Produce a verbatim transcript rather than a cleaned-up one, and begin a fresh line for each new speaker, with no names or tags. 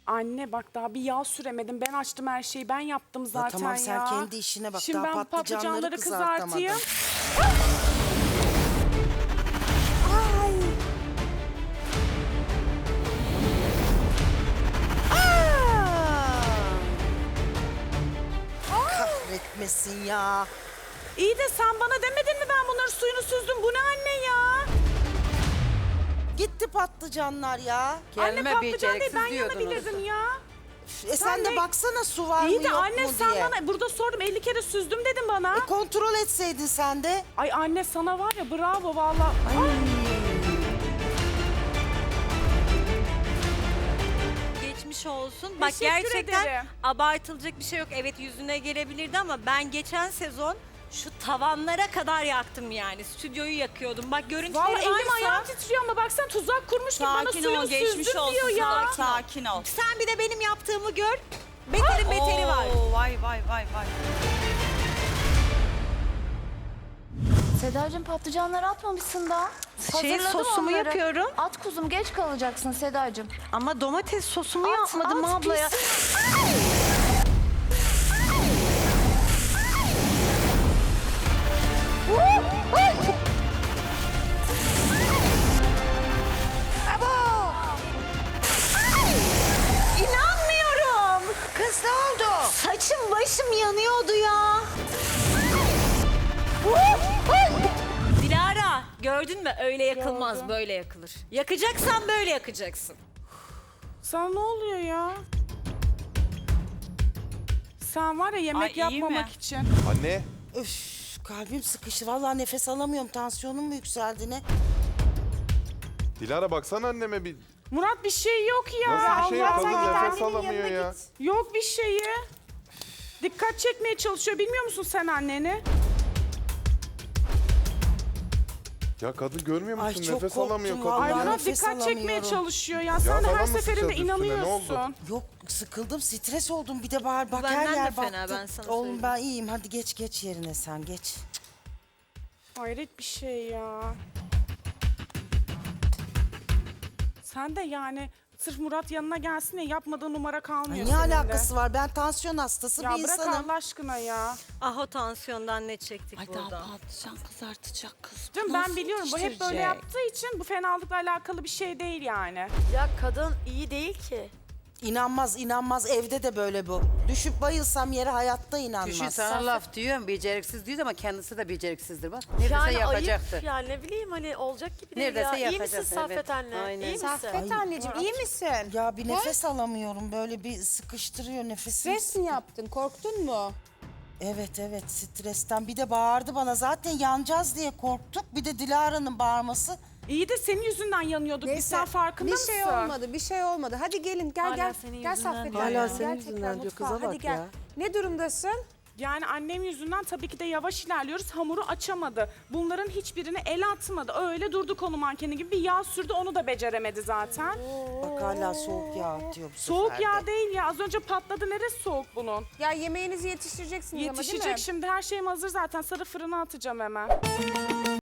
Anne bak daha bir yağ süremedim. Ben açtım her şeyi. Ben yaptım zaten ya.
Tamam sen kendi işine bak.
Şimdi
Daha
ben
patlıcanları
patlıcanları
kızartamadın.
kızartayım.
Ay. Aa! Kahretmesin ya.
İyi de sen bana demedin mi ben bunların suyunu süzdüm? Bu ne anne ya?
Gitti patlıcanlar ya.
Anne patlıcan değil ben
diyordunuz.
yanabilirdim ya.
E sen,
Sen
de
ne-
baksana su var
İyi
mı
de
yok
anne
mu
sen
diye.
bana burada sordum elli kere süzdüm dedin bana.
E kontrol etseydin sen de.
Ay anne sana var ya bravo valla. Ay.
Geçmiş olsun. Bak
Teşekkür
gerçekten
ederim.
abartılacak bir şey yok. Evet yüzüne gelebilirdi ama ben geçen sezon şu tavanlara kadar yaktım yani. Stüdyoyu yakıyordum. Bak görüntüleri
Valla elim
varsa...
ayağım titriyor ama bak sen tuzak kurmuş gibi bana
Sakin
suyunu
ol, geçmiş
süzdüm
olsun
diyor ya.
sana. Sakin ol.
Sen bir de benim yaptığımı gör. Beterin beteri var.
Oo, vay vay vay vay.
Sedacığım patlıcanları atmamışsın da.
Şey,
Hazırladım
sosumu
onları.
yapıyorum.
At kuzum geç kalacaksın Sedacığım.
Ama domates sosumu
At,
yapmadım
at,
ablaya.
pis.
İnanmıyorum.
Kız ne oldu?
Saçım başım yanıyordu ya. Dilara gördün mü öyle yakılmaz
Gördüm.
böyle yakılır. Yakacaksan böyle yakacaksın.
Sana ne oluyor ya? Sen var ya yemek
Ay, iyi
yapmamak
mi?
için.
Anne,
Öf, kalbim sıkıştı. Vallahi nefes alamıyorum. Tansiyonum mu yükseldi ne?
Dilara baksana anneme bir...
Murat bir şey yok ya.
Nasıl bir şey yok?
Allah
Kadın
Allah.
nefes alamıyor ya.
Yok bir şeyi. Dikkat çekmeye çalışıyor. Bilmiyor musun sen anneni?
Ya kadın görmüyor musun?
Ay, çok
Nefes
korktum
alamıyor kadın.
vallahi.
Ay
ya.
Murat
nefes
dikkat çekmeye
alamıyorum.
çalışıyor ya. Sen de
falan
her
mı
seferinde
sıçradı üstüne? Ne
inanıyorsun.
oldu?
Yok sıkıldım, stres oldum. Bir de bağır bak
Benden
her
de
yer
fena,
baktı.
ben sana
Oğlum
söyleyeyim.
ben iyiyim. Hadi geç geç yerine sen geç.
Hayret bir şey ya. Sen de yani sırf Murat yanına gelsin diye yapmadığı numara
Ay,
kalmıyor
ne
senin de.
alakası var? Ben tansiyon hastası
Ya
bir
bırak
insanım.
Allah aşkına ya.
Ah o tansiyondan ne çektik
Ay
burada.
daha patlıcan kızartacak kız.
Canım
Nasıl
ben biliyorum bu hep böyle
pişirecek?
yaptığı için bu fenalıkla alakalı bir şey değil yani.
Ya kadın iyi değil ki.
İnanmaz inanmaz evde de böyle bu. Düşüp bayılsam yere hayatta inanmaz.
Düşün sana laf diyorum beceriksiz diyor ama kendisi de beceriksizdir bak. Neredeyse
Yani
yapacaktır.
ayıp ya ne bileyim hani olacak gibi değil
Neredeyse
ya. İyi
yapacak,
misin
evet.
Saffet anne?
Aynen.
İyi misin?
Ay,
anneciğim iyi misin?
Ya bir nefes alamıyorum. Böyle bir sıkıştırıyor nefesim.
Stres mi yaptın? Korktun mu?
Evet evet stresten. Bir de bağırdı bana. Zaten yanacağız diye korktuk. Bir de Dilara'nın bağırması.
İyi de senin yüzünden yanıyorduk. Biz sen farkında
bir
mısın?
şey olmadı, bir şey olmadı. Hadi gelin, gel
Hala
gel.
senin
Gel
yüzünden
Saffet
diyor
anne,
ya.
gel
Hala
tekrar mutfağa. Hadi gel. Ne durumdasın?
Yani annem yüzünden tabii ki de yavaş ilerliyoruz. Hamuru açamadı. Bunların hiçbirine el atmadı. Öyle durdu konu mankeni gibi. Bir yağ sürdü onu da beceremedi zaten.
Bak hala soğuk yağ atıyor bu
Soğuk
sefer de.
yağ değil ya. Az önce patladı. Neresi soğuk bunun?
Ya yemeğinizi yetiştireceksiniz ama değil mi?
Yetişecek şimdi. Her şeyim hazır zaten. Sarı fırına atacağım hemen.